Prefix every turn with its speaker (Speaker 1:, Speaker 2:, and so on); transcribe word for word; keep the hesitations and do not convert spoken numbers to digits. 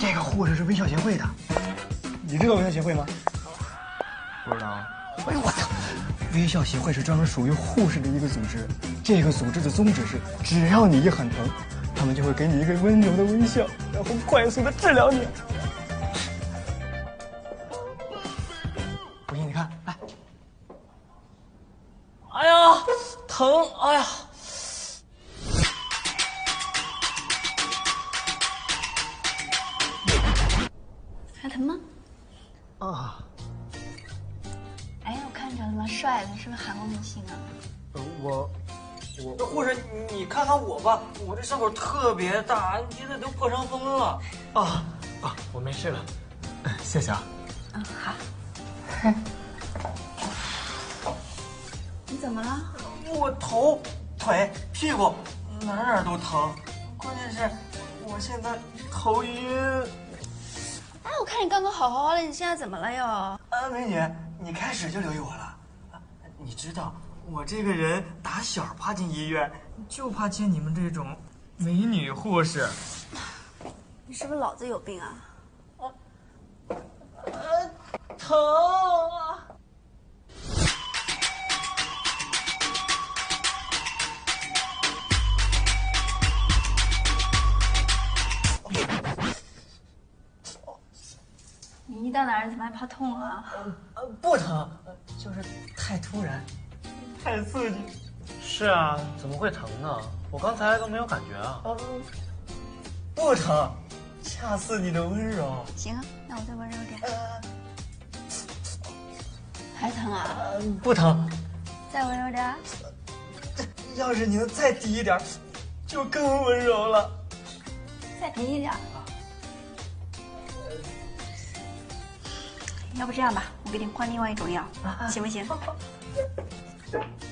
Speaker 1: 这个护士是微笑协会的，你知道微笑协会吗？
Speaker 2: 不知道。
Speaker 1: 哎呦我操！微笑协会是专门属于护士的一个组织，这个组织的宗旨是，只要你一很疼，他们就会给你一个温柔的微笑，然后快速的治疗你。不信你看，来。
Speaker 3: 哎呀，疼！哎呀。
Speaker 4: 还疼吗？
Speaker 1: 啊。
Speaker 4: 哎，我看着了吗？帅的，是不是韩国明星啊？
Speaker 1: 呃，我，
Speaker 3: 我护士，你看看我吧，我这伤口特别大，现在都破伤风了。
Speaker 1: 啊啊，我没事了，谢谢啊。
Speaker 4: 嗯，好。你怎么了？
Speaker 3: 我头、腿、屁股哪哪都疼，关键是我现在头晕。
Speaker 4: 哎，我看你刚刚好好的，你现在怎么了又？
Speaker 3: 啊，美女，你开始就留意我了。你知道我这个人打小爬进医院，就怕见你们这种美女护士。
Speaker 4: 你是不是脑子有病啊？
Speaker 3: 啊，呃，疼啊！
Speaker 4: 你一到哪儿怎么还怕痛啊？
Speaker 3: 呃，不疼，就是太突然，太刺激。
Speaker 2: 是啊，怎么会疼呢？我刚才都没有感觉啊。
Speaker 3: 啊，不疼，恰似你的温柔。
Speaker 4: 行啊，那我再温柔点。
Speaker 3: 呃，
Speaker 4: 还疼啊？
Speaker 3: 呃不疼。
Speaker 4: 再温柔点。
Speaker 3: 要是你能再低一点，就更温柔了。
Speaker 4: 再低一点。要不这样吧，我给你换另外一种药，行不行？